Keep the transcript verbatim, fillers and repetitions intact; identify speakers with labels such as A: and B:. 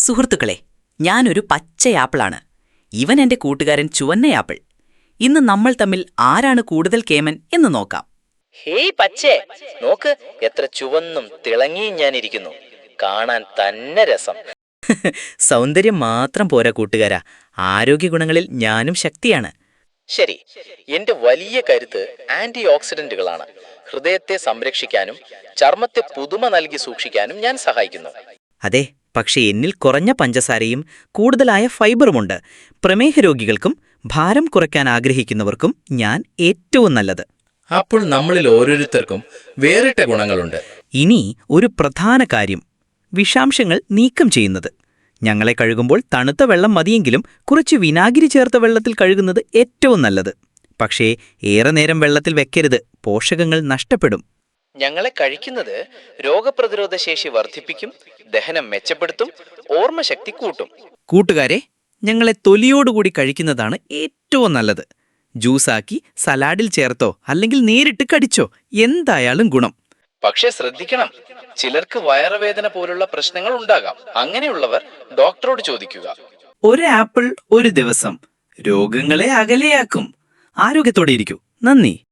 A: സുഹൃത്തുക്കളെ, ഞാനൊരു പച്ചയാപ്പിളാണ്. ഇവൻ എന്റെ കൂട്ടുകാരൻ ചുവന്നയാപ്പിൾ. ഇന്ന് നമ്മൾ തമ്മിൽ ആരാണ് കൂടുതൽ കേമൻ എന്ന് നോക്കാം.
B: ഹേയ് പച്ചേ, നോക്ക് എത്ര ചുവന്നും തിളങ്ങിയും ഞാനിരിക്കുന്നു. കാണാൻ തന്നെ രസം.
A: സൗന്ദര്യം മാത്രം പോരാ കൂട്ടുകാരാ, ആരോഗ്യഗുണങ്ങളിൽ ഞാനും ശക്തിയാണ്.
B: ശരി, എന്റെ വലിയ കരുത്ത് ആന്റി ഓക്സിഡന്റുകളാണ്. ഹൃദയത്തെ സംരക്ഷിക്കാനും ചർമ്മത്തെ പുതുമ നൽകി സൂക്ഷിക്കാനും ഞാൻ സഹായിക്കുന്നു.
A: അതെ, പക്ഷെ എന്നിൽ കുറഞ്ഞ പഞ്ചസാരയും കൂടുതലായ ഫൈബറുമുണ്ട്. പ്രമേഹ രോഗികൾക്കും ഭാരം കുറയ്ക്കാൻ ആഗ്രഹിക്കുന്നവർക്കും ഞാൻ ഏറ്റവും നല്ലത്.
C: അപ്പോൾ നമ്മളിൽ ഓരോരുത്തർക്കും വേറിട്ട ഗുണങ്ങളുണ്ട്.
A: ഇനി ഒരു പ്രധാന കാര്യം, വിഷാംശങ്ങൾ നീക്കം ചെയ്യുന്നത്. ഞങ്ങളെ കഴുകുമ്പോൾ തണുത്ത വെള്ളം മതിയെങ്കിലും കുറച്ച് വിനാഗിരി ചേർത്ത വെള്ളത്തിൽ കഴുകുന്നത് ഏറ്റവും നല്ലത്. പക്ഷേ ഏറെ നേരം വെള്ളത്തിൽ വെക്കരുത്, പോഷകങ്ങൾ നഷ്ടപ്പെടും.
B: ഞങ്ങളെ കഴിക്കുന്നത് രോഗപ്രതിരോധ ശേഷി വർദ്ധിപ്പിക്കും, ദഹനം മെച്ചപ്പെടുത്തും, ഓർമ്മശക്തി കൂട്ടും.
A: കൂട്ടുകാരെ, ഞങ്ങളെ തൊലിയോടുകൂടി കഴിക്കുന്നതാണ് ഏറ്റവും നല്ലത്. ജ്യൂസാക്കി സലാഡിൽ ചേർത്തോ അല്ലെങ്കിൽ നേരിട്ട് കടിച്ചോ, എന്തായാലും ഗുണം.
B: പക്ഷെ ശ്രദ്ധിക്കണം, ചിലർക്ക് വയറുവേദന പോലുള്ള പ്രശ്നങ്ങൾ ഉണ്ടാകാം. അങ്ങനെയുള്ളവർ ഡോക്ടറോട് ചോദിക്കുക.
A: ഒരു ആപ്പിൾ ഒരു ദിവസം രോഗങ്ങളെ അകലെയാക്കും. ആരോഗ്യത്തോടെ ഇരിക്കൂ. നന്ദി.